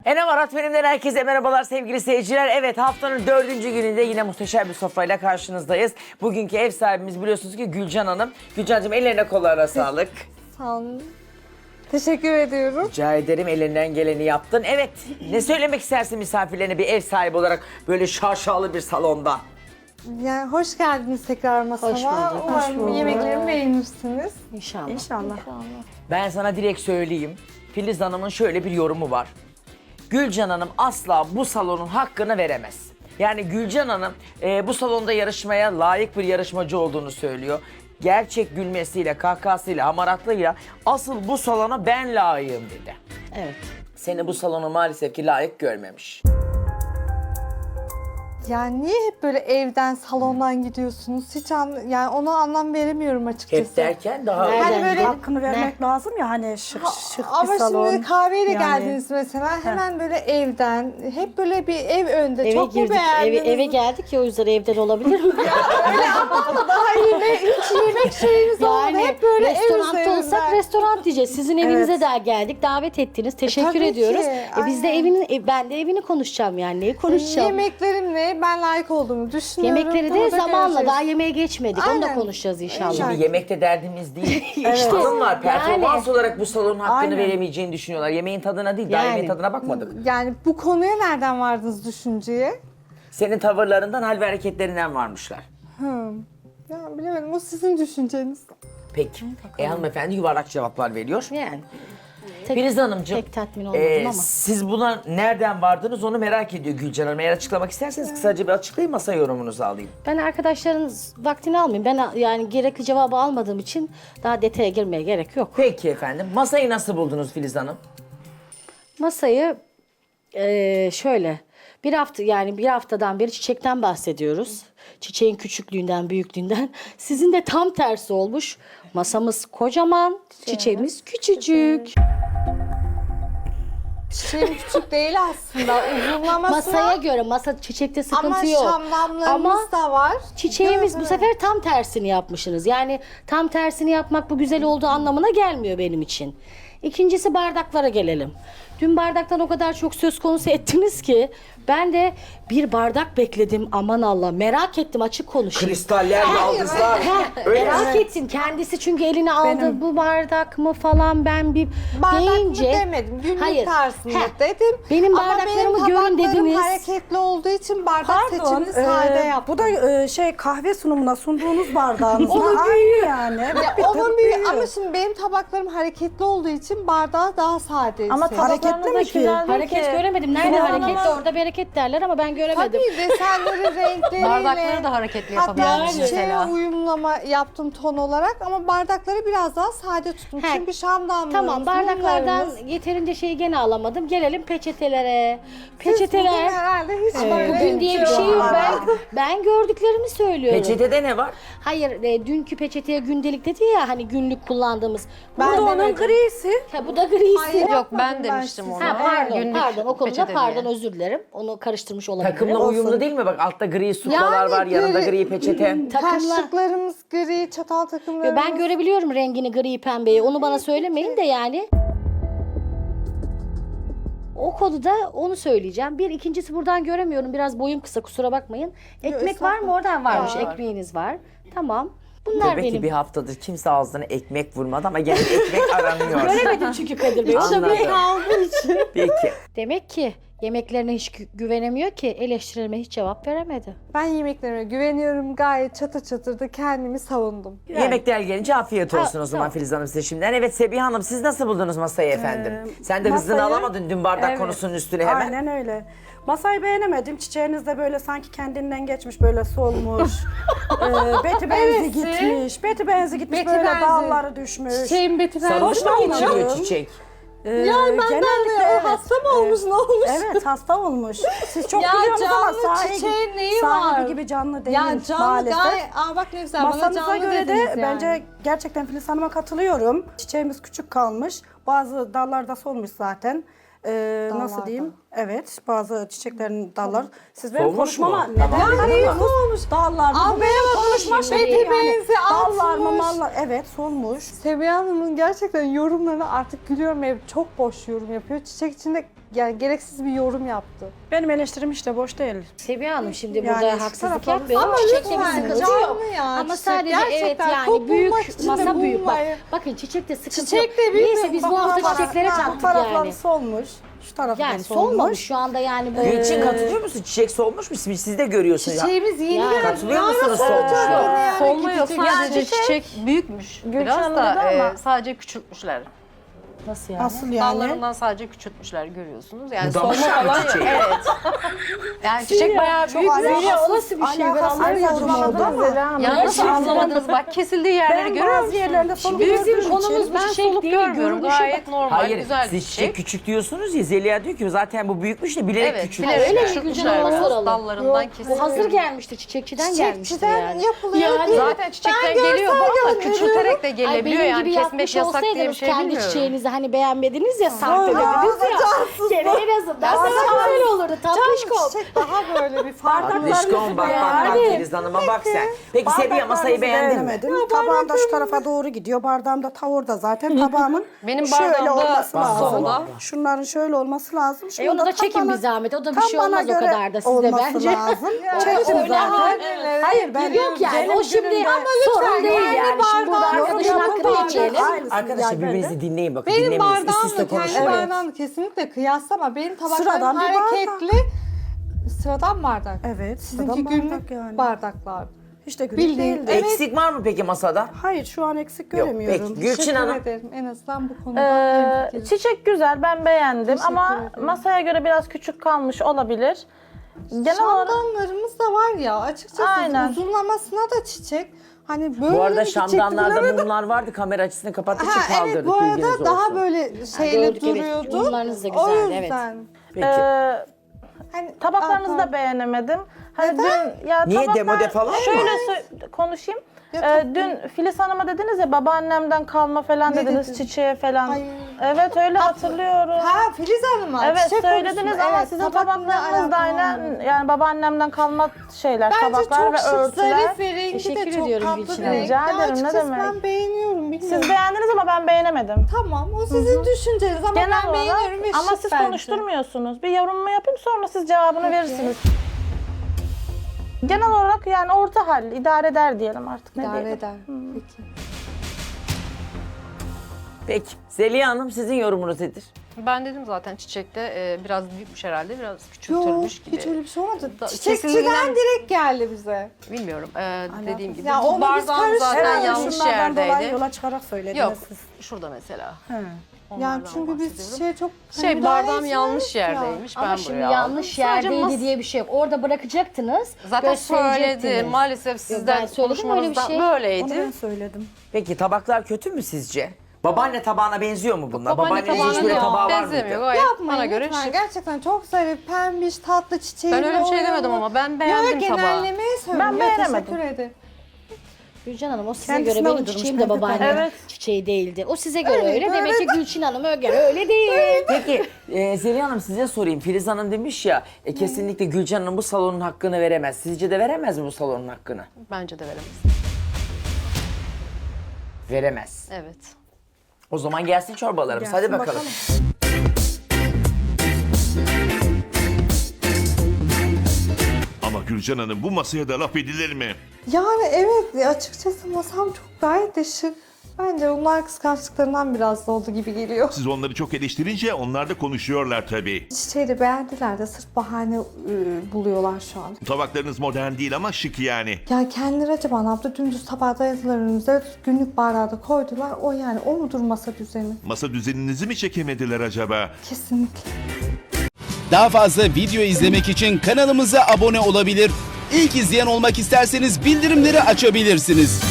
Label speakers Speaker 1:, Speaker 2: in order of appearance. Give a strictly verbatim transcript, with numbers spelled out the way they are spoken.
Speaker 1: Enem Arat Benim'den herkese merhabalar sevgili seyirciler. Evet, haftanın dördüncü gününde yine muhteşem bir sofrayla karşınızdayız. Bugünkü ev sahibimiz biliyorsunuz ki Gülcan Hanım. Gülcan'cığım ellerine kollarına sağlık.
Speaker 2: Sağ olun. Teşekkür ediyorum.
Speaker 1: Rica ederim, elinden geleni yaptın. Evet, ne söylemek istersin misafirlerine bir ev sahibi olarak böyle şaşalı bir salonda?
Speaker 2: Yani hoş geldiniz tekrar masama.
Speaker 3: Hoş bulduk.
Speaker 2: Umarım
Speaker 3: Hoş bulduk.
Speaker 2: yemeklerimi beğenirsiniz.
Speaker 3: İnşallah.
Speaker 2: İnşallah.
Speaker 1: Ben sana direkt söyleyeyim. Filiz Hanım'ın şöyle bir yorumu var. Gülcan Hanım asla bu salonun hakkını veremez. Yani Gülcan Hanım e, bu salonda yarışmaya layık bir yarışmacı olduğunu söylüyor. Gerçek gülmesiyle, kahkahasıyla, hamaratlığıyla asıl bu salona ben layığım dedi.
Speaker 3: Evet.
Speaker 1: Seni bu salonu maalesef ki layık görmemiş.
Speaker 2: Yani niye hep böyle evden, salondan gidiyorsunuz? Hiç an, yani ona anlam veremiyorum açıkçası.
Speaker 1: Hep derken daha...
Speaker 3: Nereden
Speaker 2: Hani böyle-
Speaker 3: gidiyor?
Speaker 4: Hakkını vermek lazım ya hani şık şık
Speaker 2: Ama
Speaker 4: bir salon.
Speaker 2: şimdi kahveyle
Speaker 4: Yani.
Speaker 2: geldiniz mesela hemen böyle evden, hep böyle bir ev önde.
Speaker 3: Eve
Speaker 2: Çok mu
Speaker 3: girdik, eve,
Speaker 2: beğendiniz?
Speaker 3: eve geldik ya o yüzden evden olabilir mi?
Speaker 2: Daha yine hiç yemek şeyiniz olmadı. Hep böyle ev
Speaker 3: restoranda
Speaker 2: üzerinden.
Speaker 3: olsak restoran diyeceğiz. Sizin evinize
Speaker 4: Evet.
Speaker 3: de geldik, davet ettiniz. Teşekkür
Speaker 2: tabii
Speaker 3: ediyoruz.
Speaker 2: ki,
Speaker 3: E, biz de
Speaker 2: aynen.
Speaker 3: evini, e, ben de evini konuşacağım yani. Neyi konuşacağım?
Speaker 2: Yemeklerimle ben layık olduğumu düşünüyorum.
Speaker 3: Yemekleri
Speaker 2: Bunu
Speaker 3: de
Speaker 2: da
Speaker 3: zamanla
Speaker 2: göreceğiz.
Speaker 3: daha yemeğe geçmedik. Onu da
Speaker 2: Aynen.
Speaker 3: konuşacağız inşallah.
Speaker 1: Şimdi yemekte derdimiz değil.
Speaker 3: İşte,
Speaker 1: Hanımlar performans
Speaker 3: yani.
Speaker 1: olarak bu salonun hakkını
Speaker 4: Aynen.
Speaker 1: veremeyeceğini düşünüyorlar. Yemeğin tadına değil, daha
Speaker 3: Yani.
Speaker 1: yemeğin tadına bakmadık.
Speaker 2: Yani bu konuya nereden vardınız düşünceye?
Speaker 1: Senin tavırlarından, hal ve hareketlerinden varmışlar.
Speaker 2: Hmm. Ya bilemedim, o sizin düşünceniz.
Speaker 1: Peki. E, hanımefendi yuvarlak cevaplar veriyor.
Speaker 3: Yani. Tek,
Speaker 1: Filiz Hanımcığım,
Speaker 3: Pek tatmin olmadım
Speaker 1: e,
Speaker 3: ama.
Speaker 1: siz buna nereden vardınız onu merak ediyor Gülcan Hanım. Eğer açıklamak isterseniz kısaca bir açıklayın, masa yorumunuzu alayım.
Speaker 3: Ben arkadaşların vaktini almayayım. Ben yani gerekli cevabı almadığım için daha detaya girmeye gerek yok.
Speaker 1: Peki efendim. Masayı nasıl buldunuz Filiz Hanım?
Speaker 3: Masayı eee, şöyle bir hafta yani bir haftadan beri çiçekten bahsediyoruz. Çiçeğin küçüklüğünden, büyüklüğünden. Sizin de tam tersi olmuş. Masamız kocaman, çiçeğimiz küçücük.
Speaker 2: Çiçeğim küçük değil aslında. Uzunlaması
Speaker 3: Masaya
Speaker 2: var.
Speaker 3: göre masa çiçekte sıkıntı
Speaker 2: Ama
Speaker 3: yok.
Speaker 2: şamdanlarımız
Speaker 3: Ama
Speaker 2: da var.
Speaker 3: çiçeğimiz bu
Speaker 2: Evet.
Speaker 3: sefer tam tersini yapmışsınız. Yani tam tersini yapmak bu güzel olduğu anlamına gelmiyor benim için. İkincisi bardaklara gelelim. Dün bardaktan o kadar çok söz konusu ettiniz ki ben de bir bardak bekledim, aman Allah, merak ettim, açık konuşayım.
Speaker 1: Kristaller, yaldızlar. Öyle mi?
Speaker 3: Merak etsin kendisi çünkü eline aldı,
Speaker 4: Benim-
Speaker 3: bu bardak mı falan, ben bir
Speaker 2: Bardak
Speaker 3: deyince.
Speaker 2: mı demedim. Günlük
Speaker 3: Hayır.
Speaker 2: tarzında
Speaker 3: Heh.
Speaker 2: dedim.
Speaker 3: Benim
Speaker 2: Ama
Speaker 3: bardaklarımı
Speaker 2: benim
Speaker 3: görün
Speaker 2: tabaklarım
Speaker 3: dediniz.
Speaker 2: hareketli olduğu için bardak
Speaker 4: Pardon,
Speaker 2: seçimini sade
Speaker 4: e,
Speaker 2: yaptım.
Speaker 4: bu da e, şey kahve sunumuna sunduğunuz bardağınızla aynı yani.
Speaker 2: Ya
Speaker 4: Bir
Speaker 2: onun
Speaker 4: tık
Speaker 2: bir,
Speaker 4: büyüğü.
Speaker 2: ama şimdi benim tabaklarım hareketli olduğu için bardağı daha sade.
Speaker 4: Ama
Speaker 2: seçtim.
Speaker 4: hareketli mi ki?
Speaker 3: Hareket göremedim. Nerede
Speaker 4: Kullanamaz.
Speaker 3: hareketli? Orada bereket derler ama ben göremedim.
Speaker 2: Tabii desenleri, renkleriyle.
Speaker 5: Bardakları da hareketli
Speaker 2: Hatta
Speaker 5: yapabilirsiniz
Speaker 2: çiçeğe
Speaker 5: mesela.
Speaker 2: uyumlama yaptım ton olarak ama bardakları biraz daha sade tuttum.
Speaker 3: He.
Speaker 2: Çünkü şamdanlarımız,
Speaker 3: Tamam, bardaklardan
Speaker 2: mumlarımız-
Speaker 3: yeterince şeyi gene alamadım. Gelelim peçetelere.
Speaker 2: Siz bugün
Speaker 3: Peçeteler.
Speaker 2: herhalde hiç
Speaker 3: Ee,
Speaker 2: böyle
Speaker 3: bugün diye bir şey yok.
Speaker 2: var.
Speaker 3: Ben ben gördüklerimi söylüyorum.
Speaker 1: Peçetede ne var?
Speaker 3: Hayır, e, dünkü peçeteye gündelik dedi ya, hani günlük kullandığımız.
Speaker 2: Ben
Speaker 3: Bu da
Speaker 2: demedim.
Speaker 3: onun grisi. Ha, bu da grisi.
Speaker 2: Hayır.
Speaker 5: Yok ben
Speaker 2: Ben
Speaker 5: demiştim
Speaker 2: size-
Speaker 5: onu.
Speaker 3: Ha, pardon,
Speaker 5: Günlük
Speaker 3: pardon. O konuda
Speaker 5: peçete
Speaker 3: pardon,
Speaker 5: diye.
Speaker 3: özür dilerim. Onu karıştırmış olabilirim.
Speaker 1: Takımla
Speaker 3: Olsun.
Speaker 1: uyumlu değil mi? Bak altta gri suklalar
Speaker 2: Yani
Speaker 1: var, yanında
Speaker 2: gri-
Speaker 1: gri peçete.
Speaker 3: Takımla.
Speaker 2: Kaşıklarımız gri, çatal takımlarımız.
Speaker 3: Ben görebiliyorum rengini, gri pembeyi. Onu bana söylemeyin de yani. O konuda onu söyleyeceğim. Bir, ikincisi buradan göremiyorum. Biraz boyum kısa, kusura bakmayın. Ekmek var mı? Oradan varmış.
Speaker 2: Var.
Speaker 3: Ekmeğiniz var. Tamam. Bunlar
Speaker 1: Demek ki
Speaker 3: benim.
Speaker 1: bir haftadır kimse ağzına ekmek vurmadı ama gene ekmek aranıyor.
Speaker 3: Göremedim çünkü Kadir Bey. O da
Speaker 1: Anladım.
Speaker 3: bir aldığı için.
Speaker 1: Peki.
Speaker 3: Demek ki yemeklerine hiç gü- güvenemiyor ki eleştirilerime hiç cevap veremedi.
Speaker 2: Ben yemeklerime güveniyorum. Gayet çatır çatır da kendimi savundum.
Speaker 3: Yani.
Speaker 1: Yemekler gelince afiyet olsun
Speaker 3: Ha,
Speaker 1: o zaman
Speaker 3: tamam.
Speaker 1: Filiz Hanım size şimdiden. Evet Sebiha Hanım, siz nasıl buldunuz masayı efendim?
Speaker 4: Ee,
Speaker 1: Sen de hızını
Speaker 4: masayı-
Speaker 1: alamadın dün bardak
Speaker 4: Evet.
Speaker 1: konusunun üstüne hemen.
Speaker 4: Aynen öyle. Masayı beğenemedim. Çiçeğiniz de böyle sanki kendinden geçmiş, böyle solmuş. ee, beti benzi
Speaker 2: Evet.
Speaker 4: gitmiş. Beti benzi gitmiş,
Speaker 2: Beti
Speaker 4: böyle
Speaker 2: benzi.
Speaker 4: dalları düşmüş.
Speaker 2: Çiçeğim Beti
Speaker 1: Sarhoş mu
Speaker 4: Hoşlanmıyorum.
Speaker 1: geçiriyor çiçek?
Speaker 4: Ee,
Speaker 2: Ya ben
Speaker 4: genellikle
Speaker 2: de o
Speaker 4: evet.
Speaker 2: hasta mı olmuş, ne olmuş?
Speaker 4: Evet, hasta olmuş. Siz çok
Speaker 2: Ya
Speaker 4: biliyorsunuz ama
Speaker 2: canlı
Speaker 4: sahibi,
Speaker 2: çiçeğin neyi
Speaker 4: sahibi
Speaker 2: var?
Speaker 4: gibi canlı değil
Speaker 2: Ya canlı
Speaker 4: maalesef.
Speaker 2: gayet, aa bak ne güzel, bana
Speaker 4: Masanıza
Speaker 2: canlı
Speaker 4: göre de
Speaker 2: dediniz yani.
Speaker 4: bence gerçekten Filiz Hanım'a katılıyorum. Çiçeğimiz küçük kalmış. Bazı dallarda solmuş zaten. Ee, nasıl
Speaker 2: Dallarda.
Speaker 4: diyeyim? Evet, bazı çiçeklerin dallar. Siz benim
Speaker 1: Solmuş
Speaker 4: konuşmama
Speaker 1: mu?
Speaker 4: neden
Speaker 1: Tamam.
Speaker 4: ya,
Speaker 2: neyi solmuş?
Speaker 4: Dallar mı?
Speaker 2: Aa,
Speaker 4: Bu
Speaker 2: benim
Speaker 4: benim konuşma
Speaker 2: solmuş,
Speaker 4: şeyi
Speaker 2: beti
Speaker 4: yani.
Speaker 2: benzi
Speaker 4: Dallar mı,
Speaker 2: atmış.
Speaker 4: mallar? Evet, solmuş.
Speaker 2: Seviye Hanım'ın gerçekten yorumlarına artık gülüyorum. Ev çok boş yorum yapıyor. Çiçek içinde yani gereksiz bir yorum yaptı.
Speaker 4: Benim eleştirim işte boş değil.
Speaker 3: Seviye Hanım şimdi
Speaker 4: Yani
Speaker 3: burada
Speaker 4: şu
Speaker 3: haksızlık
Speaker 4: tarafa-
Speaker 3: yapmıyorum.
Speaker 2: Ama
Speaker 3: Çiçekte bir
Speaker 2: lütfen,
Speaker 3: sıkıntı
Speaker 2: canlı
Speaker 3: yok.
Speaker 2: ya,
Speaker 3: Ama
Speaker 2: çiçek.
Speaker 3: sadece evet
Speaker 2: Gerçekten
Speaker 3: yani
Speaker 2: top bulmak
Speaker 3: büyük
Speaker 2: için de
Speaker 3: masa büyük. Bak,
Speaker 2: bulmayı-
Speaker 3: bakın çiçekte sıkıntı
Speaker 2: Çiçek de
Speaker 3: yok.
Speaker 2: büyük
Speaker 3: Neyse
Speaker 2: bir-
Speaker 3: biz bu hafta
Speaker 2: bak-
Speaker 3: çiçeklere
Speaker 2: bak-
Speaker 3: taktık
Speaker 4: Tarafları
Speaker 3: yani.
Speaker 4: solmuş. Şu tarafı
Speaker 3: Yani
Speaker 4: da solmuş.
Speaker 3: solmamış şu anda yani bu.
Speaker 1: Gülçin
Speaker 3: Ee,
Speaker 1: katılıyor musun? Çiçek solmuş mu? Siz siz de görüyorsunuz.
Speaker 2: Çiçeğimiz yeni
Speaker 3: Ya,
Speaker 2: geldi.
Speaker 1: katılıyor
Speaker 2: Daha
Speaker 1: musunuz
Speaker 2: nasıl
Speaker 1: solmuş?
Speaker 2: olacak
Speaker 1: Yok.
Speaker 2: yani?
Speaker 5: Solma yok,
Speaker 2: Gidecek
Speaker 5: sadece
Speaker 2: çiçek.
Speaker 5: çiçek büyükmüş.
Speaker 6: Gülşen
Speaker 5: Biraz
Speaker 6: Hanım
Speaker 5: da
Speaker 6: dedi ama-
Speaker 5: e, sadece küçültmüşler.
Speaker 3: Nasıl yani?
Speaker 4: Nasıl yani?
Speaker 5: Dallarından sadece küçültmüşler görüyorsunuz. Yani
Speaker 1: Budamış
Speaker 5: solma
Speaker 1: yani
Speaker 5: falan yok.
Speaker 1: çiçeği.
Speaker 5: Evet. Yani çiçek bayağı büyük.
Speaker 3: Zeliha, o nasıl bir şey? Ben
Speaker 4: alakasız
Speaker 3: anlayamadım
Speaker 4: yorum oldu
Speaker 3: ama.
Speaker 4: ama.
Speaker 5: Ya nasıl anlamadınız? Bak kesildiği yerleri
Speaker 4: Ben
Speaker 5: görüyor
Speaker 4: bazı
Speaker 5: musun?
Speaker 4: yerlerde soluk
Speaker 5: Bizim
Speaker 4: gördüğüm
Speaker 3: konumuz
Speaker 4: için
Speaker 3: bu
Speaker 5: ben
Speaker 3: çiçek
Speaker 5: soluk
Speaker 3: değil,
Speaker 5: görmüyorum.
Speaker 3: görünüşü
Speaker 5: Gayet normal,
Speaker 1: Hayır,
Speaker 5: güzel bir
Speaker 1: siz çiçek
Speaker 5: çiçek.
Speaker 1: küçük diyorsunuz ya, Zeliha diyor ki zaten bu büyükmüş de bilerek
Speaker 5: Evet,
Speaker 1: küçük.
Speaker 5: bilerek
Speaker 3: Öyle mi?
Speaker 5: küçültmüşler
Speaker 3: Gülcan
Speaker 5: biraz.
Speaker 3: soralım.
Speaker 5: Dallarından
Speaker 2: Yok,
Speaker 5: kesilmiş.
Speaker 3: Bu hazır gelmiştir, çiçekçiden gelmiştir
Speaker 2: Çiçekçiden
Speaker 3: yani.
Speaker 2: yapılıyor.
Speaker 3: Yani
Speaker 2: değil.
Speaker 5: Zaten çiçekten
Speaker 2: Ben
Speaker 5: geliyor bu
Speaker 2: görsel
Speaker 5: ama
Speaker 2: gönderiyorum.
Speaker 5: küçülterek de
Speaker 3: Ay
Speaker 5: gelebiliyor
Speaker 3: benim
Speaker 5: yani
Speaker 3: gibi
Speaker 5: kesmek
Speaker 3: yapmış
Speaker 5: yasak diye bir
Speaker 3: olsaydınız
Speaker 5: şey
Speaker 3: kendi
Speaker 5: bilmiyorum.
Speaker 3: çiçeğinizi hani beğenmediniz ya sahte dediniz ya. Gene en azından
Speaker 2: Ya,
Speaker 3: sana güzel olurdu tatlışkom.
Speaker 2: Çiçek daha böyle bir farklı.
Speaker 1: Dışkon bak bak bak Filiz Hanım'a bak sen. Peki Seviye masayı beğendin mi?
Speaker 4: Beğenemedim. Tabağım da şu tarafa doğru gidiyor. Bardağım da tavırda zaten. Tabağımın
Speaker 5: Benim
Speaker 4: şöyle
Speaker 5: bardağım da
Speaker 4: olması lazım.
Speaker 5: solda.
Speaker 4: Şunların şöyle olması lazım. Şunu
Speaker 3: E onu da
Speaker 4: tam
Speaker 3: çekin
Speaker 4: bana-
Speaker 3: bir zahmet. O da bir
Speaker 4: tam
Speaker 3: şey
Speaker 4: bana
Speaker 3: olmaz o
Speaker 4: göre
Speaker 3: kadar da sizde
Speaker 4: olması
Speaker 3: bence.
Speaker 4: lazım.
Speaker 2: Yani
Speaker 4: Çektim
Speaker 3: öyle
Speaker 4: zaten.
Speaker 2: halde-
Speaker 4: Hayır ben
Speaker 3: Yok yani
Speaker 4: benim
Speaker 3: o şimdi
Speaker 4: günümde-
Speaker 3: sorun değil
Speaker 2: kendi
Speaker 3: yani. Şimdi burada
Speaker 2: bardağım
Speaker 3: arkadaşın
Speaker 2: yok,
Speaker 3: hakkını
Speaker 2: yok.
Speaker 3: geçelim.
Speaker 4: Aynısını
Speaker 1: Arkadaşlar
Speaker 4: yani ben de.
Speaker 1: birbirinizi dinleyin bakın.
Speaker 2: Benim
Speaker 1: Dinlemiyoruz. Üst üste
Speaker 2: bardağımla kendi
Speaker 1: konuşmayın.
Speaker 2: bardağımla kesinlikle kıyaslama. Benim tabaklarım
Speaker 4: Sıradan bir bardak.
Speaker 2: hareketli. Sıradan bardak.
Speaker 4: Evet.
Speaker 2: Sizinki
Speaker 4: sıradan
Speaker 2: günlük
Speaker 4: bardak yani.
Speaker 2: bardaklar.
Speaker 4: Hiç de günlük
Speaker 2: Bildiğin-
Speaker 4: değildi.
Speaker 2: Evet.
Speaker 1: Eksik var mı peki masada?
Speaker 4: Hayır şu an eksik
Speaker 1: Yok,
Speaker 4: göremiyorum.
Speaker 1: peki. Gülçin
Speaker 2: Teşekkür
Speaker 1: Hanım.
Speaker 2: ederim. En azından bu konuda
Speaker 6: Ee,
Speaker 2: hemfikiriz.
Speaker 6: çiçek güzel, ben beğendim
Speaker 2: Teşekkür
Speaker 6: ama
Speaker 2: ederim.
Speaker 6: masaya göre biraz küçük kalmış olabilir. Genel olarak
Speaker 2: Şamdanlarımız da var ya açıkçası
Speaker 6: Aynen.
Speaker 2: uzunlamasına da çiçek. Hani böyle
Speaker 1: Bu arada
Speaker 2: mi gidecekti
Speaker 1: şamdanlarda
Speaker 2: bilemedim.
Speaker 1: mumlar vardı. Kamera açısını kapattığı için
Speaker 2: Ha, evet
Speaker 1: kaldırdık.
Speaker 2: bu
Speaker 1: bilginiz
Speaker 2: arada daha
Speaker 1: olsun.
Speaker 2: böyle şeyli
Speaker 3: gördük, evet.
Speaker 2: duruyordu.
Speaker 3: Mumlarınız da
Speaker 2: O
Speaker 3: güzeldi, evet.
Speaker 2: yüzden.
Speaker 1: Peki.
Speaker 6: e,
Speaker 2: Hani,
Speaker 6: tabaklarınızı
Speaker 2: Aa,
Speaker 6: da beğenemedim. Hani
Speaker 2: Neden?
Speaker 6: dün ya
Speaker 1: Niye,
Speaker 6: tabaklar-
Speaker 1: demode falan mı?
Speaker 6: Şöyle sö- konuşayım.
Speaker 2: Ya,
Speaker 6: Ee,
Speaker 2: tabii.
Speaker 6: dün Filiz Hanım'a dediniz ya babaannemden kalma falan
Speaker 2: Ne
Speaker 6: dediniz
Speaker 2: dedin?
Speaker 6: çiçeğe falan.
Speaker 2: Ay.
Speaker 6: Evet öyle hatırlıyorum.
Speaker 2: Ha Filiz Hanım'a
Speaker 6: Evet
Speaker 2: çiçek
Speaker 6: söylediniz
Speaker 2: konusunda,
Speaker 6: ama
Speaker 2: evet,
Speaker 6: sizin
Speaker 2: tabakla
Speaker 6: tabaklarınız da
Speaker 2: alakalı
Speaker 6: aynen
Speaker 2: olmuyor.
Speaker 6: yani babaannemden kalma şeyler,
Speaker 2: Bence
Speaker 6: tabaklar
Speaker 2: çok
Speaker 6: ve
Speaker 2: şık,
Speaker 6: örtüler.
Speaker 2: zarif ve rengi
Speaker 3: Teşekkür
Speaker 2: de çok
Speaker 3: ediyorum
Speaker 2: tatlı
Speaker 3: Gülçin
Speaker 2: bir
Speaker 3: Hanım.
Speaker 2: renk.
Speaker 6: Rica
Speaker 2: Ya
Speaker 6: ederim, ne
Speaker 2: açıkçası
Speaker 6: demek.
Speaker 2: ben beğeniyorum bilmiyorum.
Speaker 6: Siz beğendiniz ama ben beğenemedim.
Speaker 2: Tamam o sizin düşünceniz ama
Speaker 6: Genel
Speaker 2: ben beğeniyorum
Speaker 6: olarak
Speaker 2: ve
Speaker 6: ama
Speaker 2: şık
Speaker 6: siz
Speaker 2: bence.
Speaker 6: konuşturmuyorsunuz. Bir yorumumu yapayım sonra siz cevabını verirsiniz. Genel olarak yani orta hal, idare eder diyelim artık ne
Speaker 2: İdare
Speaker 6: diyelim.
Speaker 2: eder. Peki.
Speaker 1: Peki. Zeliha Hanım sizin yorumunuz nedir?
Speaker 5: Ben dedim zaten çiçekte e, biraz büyükmüş herhalde, biraz
Speaker 2: Yok
Speaker 5: küçültülmüş gibi.
Speaker 2: hiç öyle bir şey olmadı.
Speaker 5: Da-
Speaker 2: Çiçekçiden
Speaker 5: kesildiğinden-
Speaker 2: direkt geldi bize.
Speaker 5: Bilmiyorum. E, dediğim gibi.
Speaker 2: Ya
Speaker 5: Bu
Speaker 2: onu biz
Speaker 5: bardağım zaten
Speaker 2: karıştırıyoruz.
Speaker 5: yanlış
Speaker 4: Şunlardan dolayı
Speaker 5: yerdeydi.
Speaker 4: yola çıkarak söylediniz
Speaker 5: Yok,
Speaker 4: siz.
Speaker 5: şurada mesela.
Speaker 4: He.
Speaker 2: Yani
Speaker 5: Onlardan
Speaker 2: çünkü biz
Speaker 5: bahsediyorum.
Speaker 2: şey çok hani
Speaker 5: Şey
Speaker 2: müdahale
Speaker 5: bardağım yanlış
Speaker 2: etmiyoruz ya.
Speaker 5: yerdeymiş.
Speaker 3: Ama
Speaker 5: ben
Speaker 3: şimdi
Speaker 5: buraya
Speaker 3: yanlış
Speaker 5: aldım. Sadece
Speaker 3: yerdeydi
Speaker 5: mas-
Speaker 3: diye bir şey yok. Orada bırakacaktınız,
Speaker 5: Zaten
Speaker 3: gösterecektiniz.
Speaker 5: söyledi. Maalesef
Speaker 3: ben
Speaker 5: sizden
Speaker 3: söyledim öyle bir
Speaker 5: konuşmanızdan
Speaker 3: şey.
Speaker 4: Onu
Speaker 5: böyleydi.
Speaker 4: ben söyledim.
Speaker 1: Peki tabaklar kötü mü sizce? Babaanne tabağına benziyor mu bunlar?
Speaker 5: Babaanne
Speaker 1: Babaannenin hiç
Speaker 5: tabağına
Speaker 1: böyle
Speaker 5: yok,
Speaker 1: tabağı var
Speaker 5: benzemiyor.
Speaker 1: mıydı?
Speaker 5: Gayet
Speaker 2: Yapmayın
Speaker 5: bana göre
Speaker 2: lütfen.
Speaker 5: şık.
Speaker 2: Gerçekten çok zarif, pembiş, tatlı çiçeği.
Speaker 5: Ben öyle bir şey demedim ama ben beğendim tabağı.
Speaker 2: genellemeyi söylüyorum.
Speaker 6: Ben
Speaker 2: Ya,
Speaker 6: beğenemedim.
Speaker 2: Teşekkür ederim.
Speaker 3: Gülcan Hanım o size
Speaker 4: Kendisine
Speaker 3: göre benim
Speaker 4: uydurmuş
Speaker 3: çiçeğim de
Speaker 4: bence
Speaker 3: babaannem
Speaker 6: Evet.
Speaker 3: çiçeği değildi. O size göre
Speaker 2: Öyle,
Speaker 3: öyle. Demek ki Gülçin Hanım'a göre öyle değil.
Speaker 1: Peki e, Zeliha Hanım size sorayım. Filiz Hanım demiş ya e, kesinlikle Gülcan Hanım bu salonun hakkını veremez. Sizce de veremez mi bu salonun hakkını?
Speaker 5: Bence de veremez.
Speaker 1: Veremez.
Speaker 5: Evet.
Speaker 1: O zaman gelsin çorbalarımız.
Speaker 4: Gelsin
Speaker 1: Hadi bakalım.
Speaker 4: bakalım.
Speaker 7: Ama Gülcan Hanım bu masaya da laf edilir mi?
Speaker 2: Yani evet açıkçası masam çok gayet de şık. Bence onlar kıskançlıklarından biraz da oldu gibi geliyor.
Speaker 7: Siz onları çok eleştirince onlar da konuşuyorlar tabii.
Speaker 2: Çiçeği de beğendiler de sırf bahane e, buluyorlar şu an.
Speaker 7: Tabaklarınız modern değil ama şık yani.
Speaker 2: Ya kendileri acaba ne yaptı? Dümdüz tabağı dayadılar önümüze, günlük bardağı da koydular. O yani o mudur masa düzeni?
Speaker 7: Masa düzeninizi mi çekemediler acaba?
Speaker 2: Kesinlikle.
Speaker 8: Daha fazla video izlemek için kanalımıza abone olabilir. İlk izleyen olmak isterseniz bildirimleri açabilirsiniz.